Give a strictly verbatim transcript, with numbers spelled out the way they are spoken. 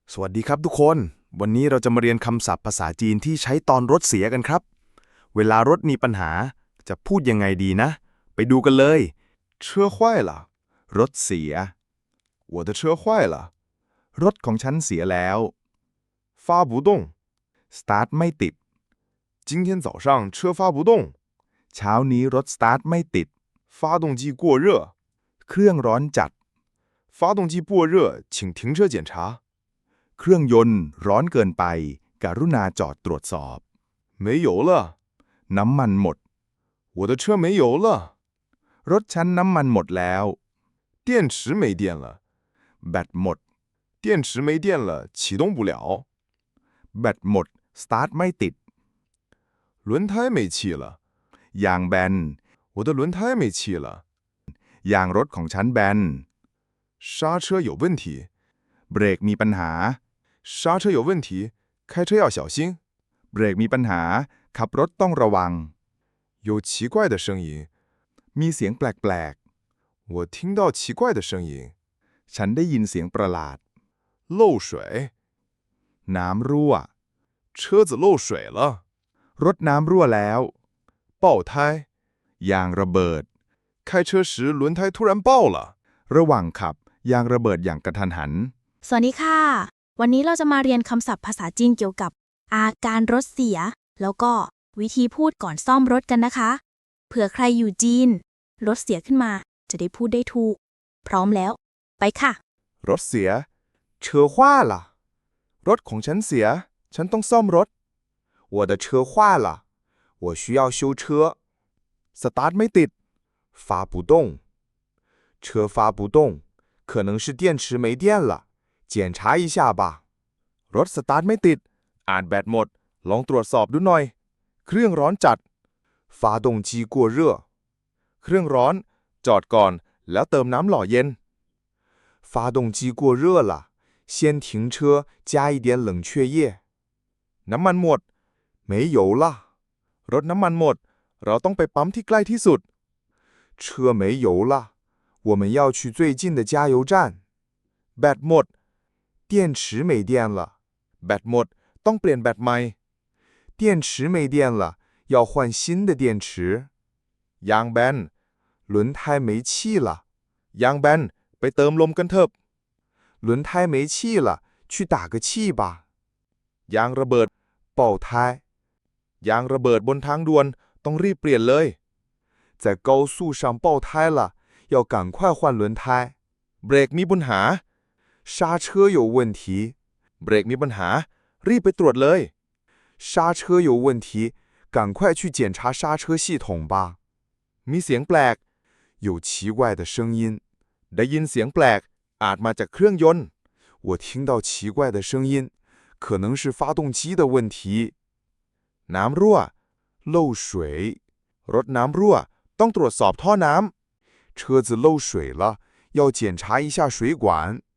สวัสดีครับทุกคน วันนี้เราจะมาเรียนคำศัพท์ภาษาจีนที่ใช้ตอนรถเสียกันครับ เวลารถมีปัญหาจะพูดยังไงดีนะ ไปดูกันเลย车坏了รถเสีย我的车坏了รถของฉันเสียแล้ว发不动สตาร์ทไม่ติด今天早上车发不动เช้านี้รถสตาร์ทไม่ติด发动机过热เครื่องร้อนจัด发动机过热请停车检查เครื่องยนต์ร้อนเกินไป กรุณาจอดตรวจสอบ没油了น้ำมันหมด我的车没油了รถฉันน้ำมันหมดแล้ว电池没电了แบตหมด电池没电了启动不了แบตหมดสตาร์ทไม่ติด轮胎没气了ยางแบน我的轮胎没气了ยางรถของฉันแบน刹车有问题เบรกมีปัญหา刹车有问题开车要小心เบรกมีปัญหา ขับรถต้องระวัง有奇怪的声音มีเสียงแปลก我听到奇怪的声音ๆ ฉันได้ยินเสียงประหลาด漏水น้ำรั่ว车子漏水了รถน้ำรั่วแล้ว爆胎ยางระเบิด开车时轮胎突然爆了ระหว่างขับ ยางระเบิดอย่างกระทันหันสวัสดีค่ะ วันนี้เราจะมาเรียนคำศัพท์ภาษาจีนเกี่ยวกับ อาการรถเสีย แล้วก็วิธีพูดก่อนซ่อมรถกันนะคะ เผื่อใครอยู่จีน รถเสียขึ้นมา จะได้พูดได้ถูก พร้อมแล้ว ไปค่ะรถเสียเชอฮว่าล่ะรถของฉันเสีย ฉันต้องซ่อมรถ我的车坏了我需要修车สตาร์ทไม่ติด发不动车发不动可能是电池没电了检查一下吧รถสตาร์ทไม่ติดอ่านแบตหมด ลองตรวจสอบดูหน่อย เครื่องร้อนจัด发动机过热เครื่องร้อน จอดก่อน แล้วเติมน้ำหล่อเย็น发动机过热了先停车加一点冷却液น้ำมันหมด没油了รถน้ำมันหมด เราต้องไปปั๊มที่ใกล้ที่สุด车没油了我们要去最近的加油站แบตหมด电池没电了แบตหมด ต้องเปลี่ยนแบตใหม่电池没电了要换新的电池ยางแบน轮胎没气了ยางแบน ไปเติมลมกันเถอะ轮胎没气了去打个气吧ยางระเบิด爆胎ยางระเบิดบนทางด่วน ต้องรีบเปลี่ยนเลย在高速上爆胎了要赶快换轮胎เบรกมีปัญหา刹车有问题เบรกมีปัญหา รีบไปตรวจเลย刹车有问题赶快去检查刹车系统吧มีเสียงแปลก有奇怪的声音ได้ยินเสียงแปลก อาจมาจากเครื่องยนต์我听到奇怪的声音可能是发动机的问题น้ำรั่ว漏水รถน้ำรั่ว ต้องตรวจสอบท่อน้ำ车子漏水了要检查一下水管